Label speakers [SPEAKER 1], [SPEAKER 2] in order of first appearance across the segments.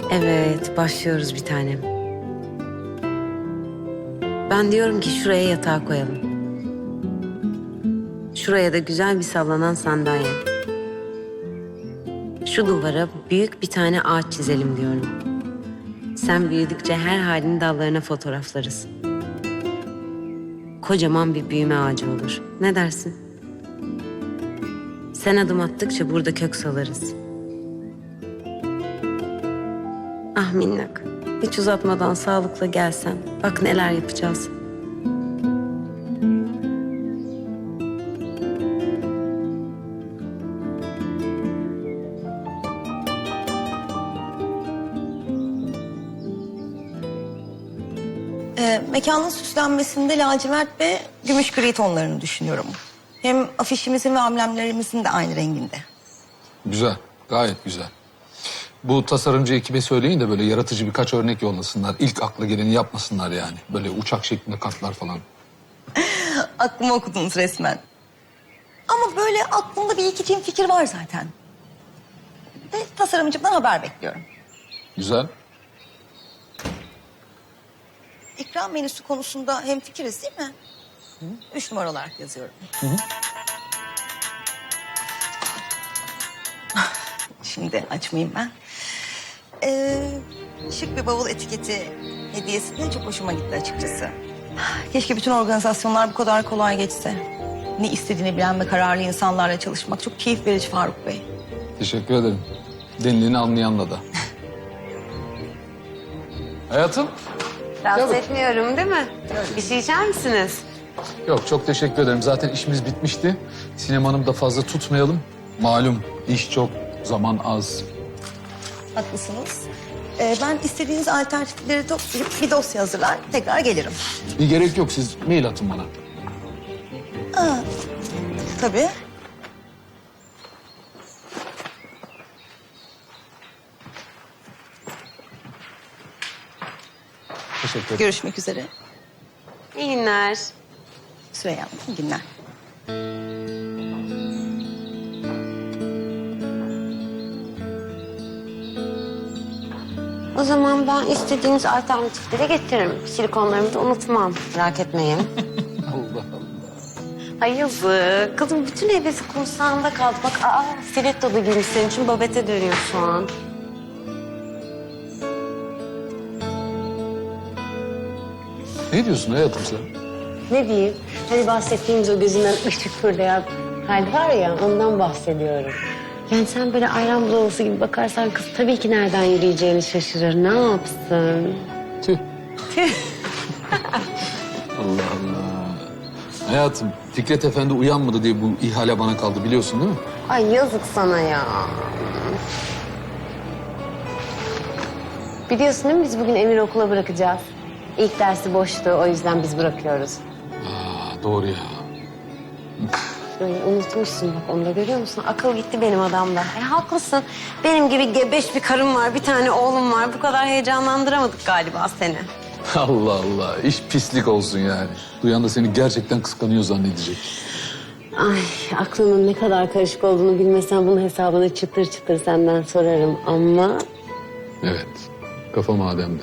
[SPEAKER 1] Evet, başlıyoruz bir tanem. Ben diyorum ki şuraya yatağı koyalım. Şuraya da güzel bir sallanan sandalye. Şu duvara büyük bir tane ağaç çizelim diyorum. Sen büyüdükçe her halini dallarına fotoğraflarız. Kocaman bir büyüme ağacı olur. Ne dersin? Sen adım attıkça burada kök salarız. Ah minnak, hiç uzatmadan sağlıkla gelsen. Bak neler yapacağız.
[SPEAKER 2] Mekanın süslenmesinde lacivert ve gümüş gri tonlarını düşünüyorum. Hem afişimizin ve amblemlerimizin de aynı renginde.
[SPEAKER 3] Güzel, gayet güzel. Bu tasarımcı ekibe söyleyin de böyle yaratıcı birkaç örnek yollasınlar. İlk akla geleni yapmasınlar yani. Böyle uçak şeklinde kartlar falan.
[SPEAKER 2] Aklımı okudunuz resmen. Ama böyle aklımda bir iki çift fikir var zaten. Ve tasarımcımdan haber bekliyorum.
[SPEAKER 3] Güzel.
[SPEAKER 2] İkram menüsü konusunda hemfikiriz değil mi? 3 numara olarak yazıyorum. Şimdi açmayayım ben. Şık bir bavul etiketi hediyesi de çok hoşuma gitti açıkçası. Keşke bütün organizasyonlar bu kadar kolay geçse. Ne istediğini bilen ve kararlı insanlarla çalışmak çok keyif verici Faruk Bey.
[SPEAKER 3] Teşekkür ederim. Deniliğini anlayanla da. Hayatım.
[SPEAKER 1] Rahatsız
[SPEAKER 3] Tabii.
[SPEAKER 1] etmiyorum değil mi? Bir şey içer misiniz?
[SPEAKER 3] Yok, çok teşekkür ederim. Zaten işimiz bitmişti. Sinem Hanım da fazla tutmayalım. Malum iş çok, zaman az.
[SPEAKER 2] Haklısınız. Ben istediğiniz alternatifleri toplayıp bir dosya hazırlar, tekrar gelirim.
[SPEAKER 3] Bir gerek yok, siz mail atın bana.
[SPEAKER 2] Tabii.
[SPEAKER 3] Teşekkür ederim.
[SPEAKER 2] Görüşmek üzere.
[SPEAKER 1] İyi günler.
[SPEAKER 2] Süreyya Hanım, iyi günler.
[SPEAKER 1] O zaman ben istediğiniz alternatifleri getiririm. Silikonlarımı da unutmam. Merak etmeyin.
[SPEAKER 3] Allah Allah.
[SPEAKER 1] Ay yazık. Kızım bütün hevesi kursağında kaldı. Bak stiletto giymiş senin için babete dönüyor şu an.
[SPEAKER 3] Ne diyorsun hayatım sen?
[SPEAKER 1] Ne diyeyim? Hani bahsettiğimiz o gözünden ışık fırlayan hal var ya ondan bahsediyorum. Yani sen böyle ayran bulavası gibi bakarsan kız tabii ki nereden yürüyeceğini şaşırır. Ne yapsın?
[SPEAKER 3] Tüh. Allah Allah. Hayatım, Fikret Efendi uyanmadı diye bu ihale bana kaldı biliyorsun değil mi?
[SPEAKER 1] Ay yazık sana ya. Biliyorsun değil mi biz bugün Emir okula bırakacağız. İlk dersi boştu o yüzden biz bırakıyoruz.
[SPEAKER 3] Aa, doğru ya.
[SPEAKER 1] Ay, unutmuşsun bak onu da görüyor musun? Akıl gitti benim adamda. Haklısın. Benim gibi gebeş bir karım var, bir tane oğlum var. Bu kadar heyecanlandıramadık galiba seni.
[SPEAKER 3] Allah Allah, iş pislik olsun yani. Duyan da seni gerçekten kıskanıyor zannedecek.
[SPEAKER 1] Ay aklının ne kadar karışık olduğunu bilmesen bunun hesabını çıtır çıtır senden sorarım ama...
[SPEAKER 3] Evet, kafa mademde.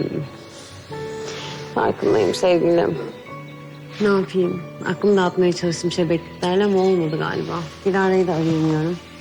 [SPEAKER 1] Farkındayım sevgilim. Ne yapayım? Aklımı dağıtmaya çalıştım şebekliklerle ama olmadı galiba. Dilara'yı da arayamıyorum.